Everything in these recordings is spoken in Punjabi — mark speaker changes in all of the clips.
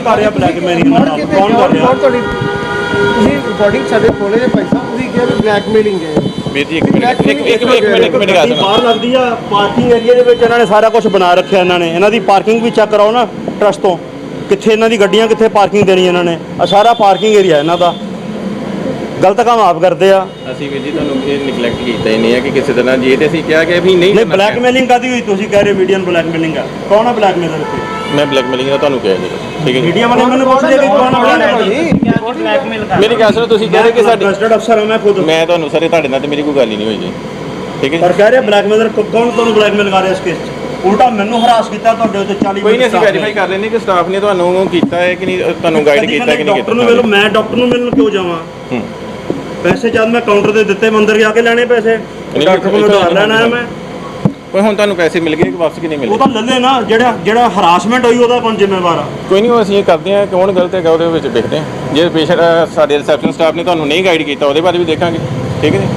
Speaker 1: ਕਰ ਰਿਹਾ ਬਲੈਕਮੇਲਿੰਗ? ਕੌਣ ਕਰ ਰਿਹਾ?
Speaker 2: ਤੁਹਾਡੀ ਤੁਸੀਂ ਰਿਕਾਰਡਿੰਗ ਸਾਡੇ ਕੋਲੇ ਜੇ ਭਾਈ ਸਾਹਿਬ ਤੁਸੀਂ ਕਿਹਾ ਵੀ ਬਲੈਕਮੇਲਿੰਗ ਹੈ
Speaker 3: ਵੀਰ ਜੀ ਇੱਕ ਮਿੰਟ ਗੱਲ ਸੁਣੋ।
Speaker 1: ਬਾਹਰ ਲੱਗਦੀ ਆ ਪਾਰਕਿੰਗ ਏਰੀਆ ਦੇ ਵਿੱਚ, ਇਹਨਾਂ ਨੇ ਸਾਰਾ ਕੁਝ ਬਣਾ ਰੱਖਿਆ। ਇਹਨਾਂ ਦੀ ਪਾਰਕਿੰਗ ਵੀ ਚੈੱਕ ਕਰਾਓ ਨਾ ਟਰਸਟ ਤੋਂ, ਕਿੱਥੇ ਇਹਨਾਂ ਦੀ ਗੱਡੀਆਂ ਕਿੱਥੇ ਪਾਰਕਿੰਗ ਦੇਣੀ ਇਹਨਾਂ ਨੇ। ਆ ਸਾਰਾ ਪਾਰਕਿੰਗ ਏਰੀਆ ਇਹਨਾਂ ਦਾ, ਗਲਤ ਕੰਮ ਆਪ ਕਰਦੇ ਆ।
Speaker 3: ਅਸੀਂ ਵੀਰ ਜੀ ਤੁਹਾਨੂੰ ਇਹ ਨਿਗਲੈਕਟ ਕੀਤਾ ਹੀ ਨਹੀਂ ਹੈ ਕਿ ਕਿਸੇ ਤਰ੍ਹਾਂ ਜੇ ਤੇ ਅਸੀਂ ਕਿਹਾ ਕਿ ਵੀ ਨਹੀਂ
Speaker 1: ਬਲੈਕਮੇਲਿੰਗ ਕਾਦੀ ਹੋਈ? ਤੁਸੀਂ ਕਹਿ ਰਹੇ ਮੀਡੀਆ ਨੂੰ ਬਲੈਕਮੇਲਿੰਗ ਆ, ਕੌਣ ਆ ਬਲੈਕਮੇਲਰ ਇੱਥੇ?
Speaker 3: ਮੈਂ ਬਲੈਕਮੇਲਿੰਗ ਦਾ ਤੁਹਾਨੂੰ ਕਿਹਾ ਜੀ, ਠੀਕ ਹੈ ਜੀ।
Speaker 1: ਮੀਡੀਆ ਵਾਲੇ ਮੈਨੂੰ ਪੁੱਛਦੇ ਕਿ ਕੌਣ ਆ ਬਲੈਕਮੇਲਰ?
Speaker 3: ਮੇਰੀ ਗੱਲ ਸੁਣੋ, ਤੁਸੀਂ ਕਹਿ ਰਹੇ ਕਿ ਸਾਡੇ
Speaker 1: ਰਜਿਸਟਰਡ ਅਫਸਰ ਹਾਂ ਮੈਂ ਖੁਦ।
Speaker 3: ਮੈਂ ਤੁਹਾਨੂੰ ਸਾਰੇ ਤੁਹਾਡੇ ਨਾਲ ਤੇ ਮੇਰੀ ਕੋਈ ਗੱਲ ਹੀ ਨਹੀਂ ਹੋਈ ਜੀ, ਠੀਕ ਹੈ
Speaker 1: ਪਰ ਕਹਿ ਰਹੇ ਬਲੈਕਮੇਲਰ ਕੌਣ ਤੁਹਾਨੂੰ ਬਲੈਕਮੇਲ ਕਰ ਰਿਹਾ ਇਸ ਕੇਸ 'ਚ? ਉਲਟਾ ਮੈਨੂੰ ਹਰਾਸ ਕੀਤਾ ਤੁਹਾਡੇ ਉੱਤੇ 40
Speaker 3: ਕੋਈ ਨਹੀਂ, ਅਸੀਂ ਵੈਰੀਫਾਈ ਕਰ ਲੈਂਦੇ ਕਿ ਸਟਾਫ ਨੇ ਤੁਹਾਨੂੰ ਕੀਤਾ ਹੈ ਕਿ ਨਹੀਂ, ਤੁਹਾਨੂੰ ਗਾਈਡ ਕੀਤਾ ਕਿ ਨਹੀਂ ਕੀਤਾ।
Speaker 1: ਮੈਂ ਡਾਕਟਰ ਨੂੰ ਮਿਲਣ ਕਿਉਂ ਜਾਵਾਂ? ਪੈਸੇ ਜਦ ਮੈਂ ਕਾਊਂਟਰ ਤੇ ਦਿੱਤੇ, ਮੈਂ ਅੰਦਰ ਜਾ ਕੇ ਲੈਣੇ ਪੈਸੇ। ਡਾਕਟਰ ਕੋਲ ਉਧਾਰ ਲੈਣਾ ਹੈ ਮੈਂ।
Speaker 3: ਕੋਈ ਹੁਣ ਤੁਹਾਨੂੰ ਪੈਸੇ ਮਿਲ ਗਏ ਕਿ ਵਾਪਸ ਕਿ ਨਹੀਂ ਮਿਲੇ?
Speaker 1: ਉਹ ਤਾਂ ਲੱਲੇ ਨਾ, ਜਿਹੜਾ ਹਰਾਸਮੈਂਟ ਹੋਈ ਉਹਦਾ ਕੌਣ ਜ਼ਿੰਮੇਵਾਰ ਆ?
Speaker 3: ਕੋਈ ਨਹੀਂ, ਉਹ ਅਸੀਂ ਇਹ ਕਰਦੇ ਹਾਂ, ਕੌਣ ਗਲਤ ਹੈਗਾ ਉਹਦੇ ਵਿੱਚ ਦੇਖਦੇ ਹਾਂ। ਜੇ ਪੇਸ਼ੈਂਟ ਸਾਡੇ ਰਿਸੈਪਸ਼ਨ ਸਟਾਫ ਨੇ ਤੁਹਾਨੂੰ ਨਹੀਂ ਗਾਈਡ ਕੀਤਾ ਉਹਦੇ ਬਾਰੇ ਵੀ ਦੇਖਾਂਗੇ, ਠੀਕ ਹੈ ਜੀ।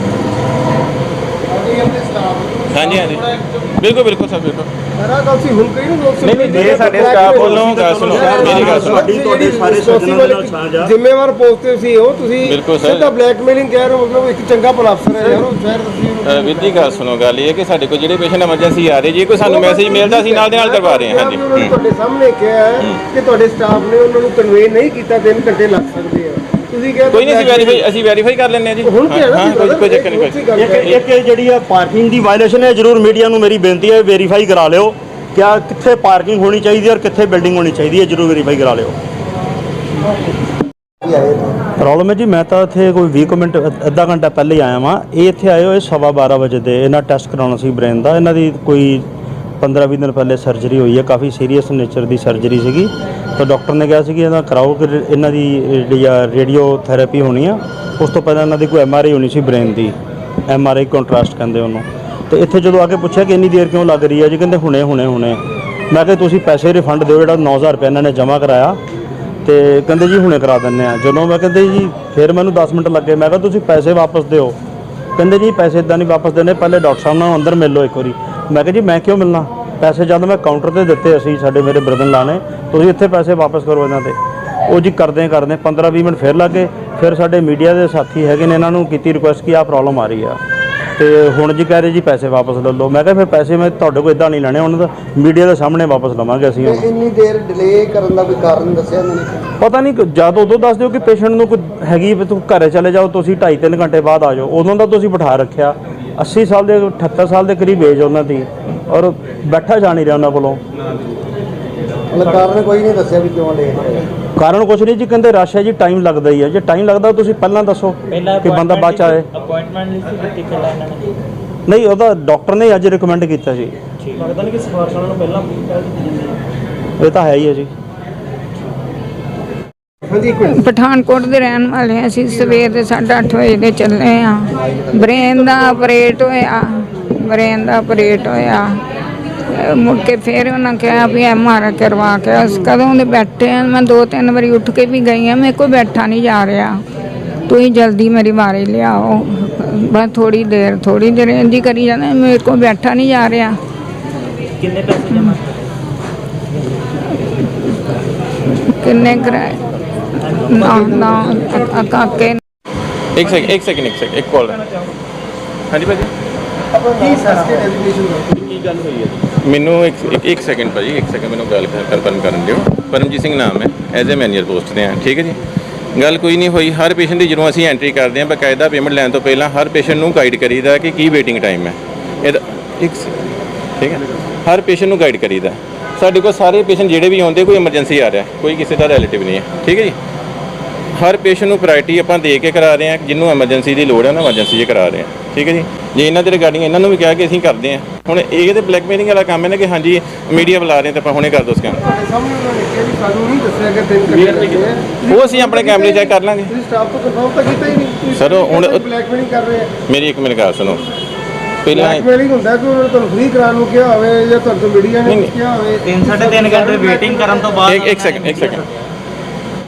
Speaker 3: ਹਾਂਜੀ ਹਾਂਜੀ ਬਿਲਕੁਲ ਬਿਲਕੁਲ ਸਰ, ਬਿਲਕੁਲ। ਨਹੀਂ ਜੇ ਸਾਡੇ ਸਟਾਫ ਵੱਲੋਂ ਗੱਲ ਸੁਣੋ, ਮੇਰੀ ਗੱਲ ਸੁਣੋ,
Speaker 1: ਤੁਹਾਡੇ ਸਾਰੇ ਸੱਜਣਾਂ ਨਾਲ ਸਾਂਝਾ
Speaker 2: ਜ਼ਿੰਮੇਵਾਰ ਪੋਸਟ ਤੇ ਸੀ ਉਹ, ਤੁਸੀਂ
Speaker 3: ਬਿਲਕੁਲ ਸਰ
Speaker 2: ਸਿੱਧਾ ਬਲੈਕਮੇਲਿੰਗ ਕਹਿ ਰਹੇ ਹੋ, ਮਤਲਬ ਇੱਕ ਚੰਗਾ ਭਲਾ ਅਫਸਰ ਹੈ ਯਾਰ ਉਹ ਸ਼ਹਿਰ।
Speaker 3: ਵੀਰ ਜੀ ਗੱਲ ਸੁਣੋ, ਗੱਲ ਇਹ ਹੈ ਕਿ ਸਾਡੇ ਕੋਲ ਜਿਹੜੇ ਪੇਸ਼ੈਂਟ ਐਮਰਜੈਂਸੀ ਆ ਰਹੇ, ਜੇ ਕੋਈ ਸਾਨੂੰ ਮੈਸੇਜ ਮਿਲਦਾ ਅਸੀਂ ਨਾਲ ਦੇ ਨਾਲ ਕਰਵਾ ਰਹੇ ਹਾਂ। ਹਾਂਜੀ
Speaker 2: ਤੁਹਾਡੇ ਸਾਹਮਣੇ ਕਿਹਾ ਹੈ ਕਿ ਤੁਹਾਡੇ ਸਟਾਫ ਨੇ ਉਹਨਾਂ ਨੂੰ ਕਨਵੇ ਨਹੀਂ ਕੀਤਾ, 3 ਘੰਟੇ ਲੱਗ ਸਕਦੇ ਆ। ਤੁਸੀਂ ਕਿਹਾ
Speaker 3: ਕੋਈ ਨਹੀਂ, ਅਸੀਂ ਵੈਰੀਫਾਈ ਕਰ ਲੈਂਦੇ ਹਾਂ ਜੀ।
Speaker 2: ਹੁਣ ਕੀ ਹੈ ਨਾ,
Speaker 3: ਕੋਈ ਚੱਕਰ ਨਹੀਂ।
Speaker 1: ਇੱਕ ਜਿਹੜੀ ਆ ਪਾਰਕਿੰਗ ਦੀ ਵਾਇਲੇਸ਼ਨ ਹੈ, ਜ਼ਰੂਰ ਮੀਡੀਆ ਨੂੰ ਮੇਰੀ ਬੇਨਤੀ ਹੈ ਵੈਰੀਫਾਈ ਕਰਾ ਲਿਓ ਕਿ ਕਿੱਥੇ ਪਾਰਕਿੰਗ ਹੋਣੀ ਚਾਹੀਦੀ ਹੈ ਔਰ ਕਿੱਥੇ ਬਿਲਡਿੰਗ ਹੋਣੀ ਚਾਹੀਦੀ ਹੈ, ਜ਼ਰੂਰ ਵੈਰੀਫਾਈ ਕਰਾ ਲਿਓ। ਪ੍ਰੋਬਲਮ ਹੈ ਜੀ, ਮੈਂ ਤਾਂ ਇੱਥੇ ਕੋਈ 20 ਮਿੰਟ ਅੱਧਾ ਘੰਟਾ ਪਹਿਲੇ ਹੀ ਆਇਆ ਵਾਂ। ਇਹ ਇੱਥੇ ਆਏ ਹੋਏ 12:15 ਵਜੇ ਦੇ। ਇਹਨਾਂ ਟੈਸਟ ਕਰਾਉਣਾ ਸੀ ਬ੍ਰੇਨ ਦਾ। ਇਹਨਾਂ ਦੀ ਕੋਈ 15-20 ਦਿਨ ਪਹਿਲੇ ਸਰਜਰੀ ਹੋਈ ਹੈ, ਕਾਫੀ ਸੀਰੀਅਸ ਨੇਚਰ ਦੀ ਸਰਜਰੀ ਸੀਗੀ। ਤਾਂ ਡਾਕਟਰ ਨੇ ਕਿਹਾ ਸੀ ਕਿ ਇਹਦਾ ਕਰਾਓ ਕਿ ਇਹਨਾਂ ਦੀ ਰੇਡੀਓ ਥੈਰੇਪੀ ਹੋਣੀ ਆ। ਉਸ ਤੋਂ ਪਹਿਲਾਂ ਇਹਨਾਂ ਦੀ ਕੋਈ MRI ਹੋਣੀ ਸੀ ਬ੍ਰੇਨ ਦੀ, MRI ਕੰਟਰਾਸਟ ਕਹਿੰਦੇ ਉਹਨੂੰ। ਤੇ ਇੱਥੇ ਜਦੋਂ ਆ ਕੇ ਪੁੱਛਿਆ ਕਿ ਇੰਨੀ ਦੇਰ ਕਿਉਂ ਲੱਗ ਰਹੀ ਹੈ ਜੀ, ਕਹਿੰਦੇ ਹੁਣੇ। ਮੈਂ ਕਿਹਾ ਤੁਸੀਂ ਪੈਸੇ ਰਿਫੰਡ ਦਿਓ, ਜਿਹੜਾ 9000 ਰੁਪਏ ਇਹਨਾਂ ਨੇ ਜਮ੍ਹਾਂ ਕਰਾਇਆ। ਤੇ ਕਹਿੰਦੇ ਜੀ ਹੁਣੇ ਕਰਾ ਦਿੰਦੇ ਆ। ਜਦੋਂ ਮੈਂ ਕਹਿੰਦੇ ਜੀ ਫਿਰ ਮੈਨੂੰ 10 ਮਿੰਟ ਲੱਗੇ। ਮੈਂ ਕਿਹਾ ਤੁਸੀਂ ਪੈਸੇ ਵਾਪਸ ਦਿਓ। ਕਹਿੰਦੇ ਜੀ ਪੈਸੇ ਇੱਦਾਂ ਨਹੀਂ ਵਾਪਸ ਦੇਣੇ, ਪਹਿਲੇ ਡਾਕਟਰ ਸਾਹਿਬ ਨਾਲ ਅੰਦਰ ਮਿਲ ਲਓ ਇੱਕ ਵਾਰੀ। ਮੈਂ ਕਿਹਾ ਜੀ ਮੈਂ ਕਿਉਂ ਮਿਲਣਾ? ਪੈਸੇ ਜਦ ਮੈਂ ਕਾਊਂਟਰ ਤੇ ਦਿੱਤੇ, ਅਸੀਂ ਮੇਰੇ ਬ੍ਰਦਰ ਲਾਣੇ, ਤੁਸੀਂ ਇੱਥੇ ਪੈਸੇ ਵਾਪਸ ਕਰੋ ਇਹਨਾਂ ਤੇ। ਉਹ ਜੀ ਕਰਦੇ 15-20 ਮਿੰਟ ਫਿਰ ਲੱਗੇ। ਫਿਰ ਸਾਡੇ ਮੀਡੀਆ ਦੇ ਸਾਥੀ ਹੈਗੇ ਨੇ, ਇਹਨਾਂ ਨੂੰ ਕੀਤੀ ਰਿਕੁਐਸਟ ਕਿ ਆਹ ਪ੍ਰੋਬਲਮ ਆ ਰਹੀ ਆ। ਤੇ ਹੁਣ ਜੀ ਕਹਿ ਰਹੇ ਜੀ ਪੈਸੇ ਵਾਪਸ ਲੈ ਲਓ। ਮੈਂ ਕਿਹਾ ਫਿਰ ਪੈਸੇ ਮੈਂ ਤੁਹਾਡੇ ਕੋਲ ਇੱਦਾਂ ਨਹੀਂ ਲੈਣੇ, ਉਹਨਾਂ ਦਾ ਮੀਡੀਆ ਦੇ ਸਾਹਮਣੇ ਵਾਪਸ ਲਵਾਂਗੇ ਅਸੀਂ।
Speaker 2: ਇੰਨੀ ਦੇਰ ਡਿਲੇ ਕਰਨ ਦਾ ਕੋਈ ਕਾਰਨ ਦੱਸਿਆ ਉਹਨਾਂ ਨੇ?
Speaker 1: ਪਤਾ ਨਹੀਂ, ਜਦ ਉਦੋਂ ਦੱਸ ਦਿਓ ਕਿ ਪੇਸ਼ੈਂਟ ਨੂੰ ਕੋਈ ਹੈਗੀ, ਤੂੰ ਘਰੇ ਚਲੇ ਜਾਓ, ਤੁਸੀਂ 2.5-3 ਘੰਟੇ ਬਾਅਦ ਆ ਜਾਓ। ਉਦੋਂ ਦਾ ਤੁਸੀਂ ਬਿਠਾ ਰੱਖਿਆ। 80 ਸਾਲ ਦੇ 78 ਸਾਲ ਦੇ ਕਰੀਬ ਏਜ ਉਹਨਾਂ ਦੀ, ਔਰ ਬੈਠਾ ਜਾ ਨਹੀਂ ਰਿਹਾ ਉਹਨਾਂ ਕੋਲੋਂ।
Speaker 2: ਕਾਰਨ ਕੋਈ ਨਹੀਂ ਦੱਸਿਆ ਵੀ ਕਿਉਂ ਲੇਟ ਹੋਇਆ?
Speaker 1: ਕਾਰਨ ਕੁਛ ਨਹੀਂ ਜੀ, ਕਹਿੰਦੇ ਰਸ਼ ਹੈ ਜੀ, ਟਾਈਮ ਲੱਗਦਾ ਹੀ ਹੈ। ਜੇ ਟਾਈਮ ਲੱਗਦਾ ਤੁਸੀਂ ਪਹਿਲਾਂ ਦੱਸੋ ਕਿ ਬੰਦਾ ਬਾਅਦ ਚ ਆਏ।
Speaker 4: ਅਪਾਇੰਟਮੈਂਟ ਲਈ ਸੀ ਦਿੱਤੀ ਪਹਿਲਾਂ ਇਹਨਾਂ ਨੇ?
Speaker 1: ਨਹੀਂ, ਉਹਦਾ ਡਾਕਟਰ ਨੇ ਅੱਜ ਰਿਕਮੈਂਡ ਕੀਤਾ ਜੀ।
Speaker 4: ਲੱਗਦਾ ਨਹੀਂ ਕਿ ਸਿਫਾਰਿਸ਼ ਉਹਨਾਂ ਨੂੰ ਪਹਿਲਾਂ
Speaker 1: ਇਹ ਤਾਂ ਹੈ ਹੀ ਹੈ ਜੀ।
Speaker 5: ਪਠਾਨਕੋਟ ਦੇ ਰਹਿਣ ਵਾਲੇ ਹਾਂ ਅਸੀਂ। ਸਵੇਰ ਦੇ 8:30 ਵਜੇ ਦੇ ਚੱਲੇ ਆ। ਬ੍ਰੇਨ ਦਾ ਆਪਰੇਟ ਹੋਇਆ। ਮੁੜ ਕੇ ਫਿਰ ਉਹਨਾਂ ਕਿਹਾ ਵੀ MRI ਕਰਵਾ ਕੇ। ਅਸੀਂ ਕਦੋਂ ਦੇ ਬੈਠੇ ਆ। ਮੈਂ 2-3 ਵਾਰੀ ਉੱਠ ਕੇ ਵੀ ਗਈ ਹਾਂ, ਮੇਰੇ ਕੋਲ ਬੈਠਾ ਨਹੀਂ ਜਾ ਰਿਹਾ। ਤੁਸੀਂ ਜਲਦੀ ਮੇਰੀ ਵਾਰੀ ਲਿਆਓ। ਬਸ ਥੋੜੀ ਦੇਰ ਇੰਝ ਕਰੀ ਜਾਂਦੇ, ਮੇਰੇ ਕੋਲ ਬੈਠਾ ਨਹੀਂ ਜਾ ਰਿਹਾ।
Speaker 4: ਕਿੰਨੇ ਪੈਸੇ ਜਮ੍ਹਾਂ?
Speaker 5: ਕਿੰਨੇ ਕਰਾਏ ਨਾ ਕਾਕੇ।
Speaker 3: ਇੱਕ ਸੈਕਿੰਡ ਇੱਕ ਕਾਲ। ਹਾਂਜੀ ਭਾਜੀ, ਕੀ ਗੱਲ ਹੋਈ ਹੈ? ਮੈਨੂੰ ਇੱਕ ਸੈਕਿੰਡ ਭਾਜੀ, ਇੱਕ ਸੈਕਿੰਡ ਮੈਨੂੰ ਗੱਲ ਕਨਫਰਮ ਕਰਨ ਦਿਓ। ਪਰਮਜੀਤ ਸਿੰਘ ਨਾਮ ਹੈ, ਐਜ਼ ਏ ਮੈਨੇਜਰ ਪੋਸਟ 'ਤੇ ਹਾਂ, ਠੀਕ ਹੈ ਜੀ। ਗੱਲ ਕੋਈ ਨਹੀਂ ਹੋਈ। ਹਰ ਪੇਸ਼ੈਂਟ ਦੀ ਜਦੋਂ ਅਸੀਂ ਐਂਟਰੀ ਕਰਦੇ ਹਾਂ, ਬਕਾਇਦਾ ਪੇਮੈਂਟ ਲੈਣ ਤੋਂ ਪਹਿਲਾਂ ਹਰ ਪੇਸ਼ੈਂਟ ਨੂੰ ਗਾਈਡ ਕਰੀਦਾ ਕਿ ਕੀ ਵੇਟਿੰਗ ਟਾਈਮ ਹੈ ਇਹਦਾ। ਠੀਕ ਹੈ, ਹਰ ਪੇਸ਼ੈਂਟ ਨੂੰ ਗਾਈਡ ਕਰੀਦਾ। ਸਾਡੇ ਕੋਲ ਸਾਰੇ ਪੇਸ਼ੈਂਟ ਜਿਹੜੇ ਵੀ ਆਉਂਦੇ, ਕੋਈ ਐਮਰਜੈਂਸੀ ਆ ਰਿਹਾ, ਕੋਈ ਕਿਸੇ ਦਾ ਰਿਲੇਟਿਵ ਨਹੀਂ ਹੈ, ਠੀਕ ਹੈ ਜੀ। ਹਰ ਪੇਸ਼ੈਂਟ ਨੂੰ ਪ੍ਰਾਇਰਟੀ ਆਪਾਂ ਦੇ ਕੇ ਕਰਾ ਰਹੇ ਹਾਂ। ਜਿਹਨੂੰ ਐਮਰਜੈਂਸੀ ਦੀ ਲੋੜ ਹੈ ਨਾ, ਐਮਰਜੈਂਸੀ 'ਚ ਕਰਾ ਰਹੇ ਹਾਂ, ਠੀਕ ਹੈ ਜੀ। ਜੇ ਇਹਨਾਂ ਦੇ ਰਿਗਾਰਡਿੰਗ ਇਹਨਾਂ ਨੂੰ ਵੀ ਕਿਹਾ ਕਿ ਅਸੀਂ ਕਰਦੇ ਹਾਂ। ਹੁਣ ਇਹ ਤਾਂ ਬਲੈਕਮੇਲਿੰਗ ਵਾਲਾ ਕੰਮ ਹੈ ਨਾ ਕਿ ਹਾਂਜੀ ਮੀਡੀਆ ਬੁਲਾ ਰਹੇ ਤਾਂ ਆਪਾਂ ਹੁਣੇ ਕਰ ਦੋ ਉਸ ਕੰਮ। ਉਹ ਅਸੀਂ ਆਪਣੇ ਕੈਮਰੇ ਚੈੱਕ ਕਰ ਲਾਂਗੇ। ਸਰ ਹੁਣ ਮੇਰੀ ਇੱਕ ਮਿੰਟ ਗੱਲ ਸੁਣੋ। ਪਹਿਲਾਂ
Speaker 2: ਹੁੰਦਾ ਕਿ ਤੁਹਾਨੂੰ ਫ੍ਰੀ ਕਰਾਉਣ ਨੂੰ ਕਿਹਾ ਹੋਵੇ ਜਾਂ ਤੁਹਾਨੂੰ ਮੀਡੀਆ ਨੇ ਕਿਹਾ ਹੋਵੇ।
Speaker 4: 3-3.5 ਘੰਟੇ ਵੇਟਿੰਗ ਕਰਨ ਤੋਂ ਬਾਅਦ
Speaker 3: ਇੱਕ ਸੈਕਿੰਡ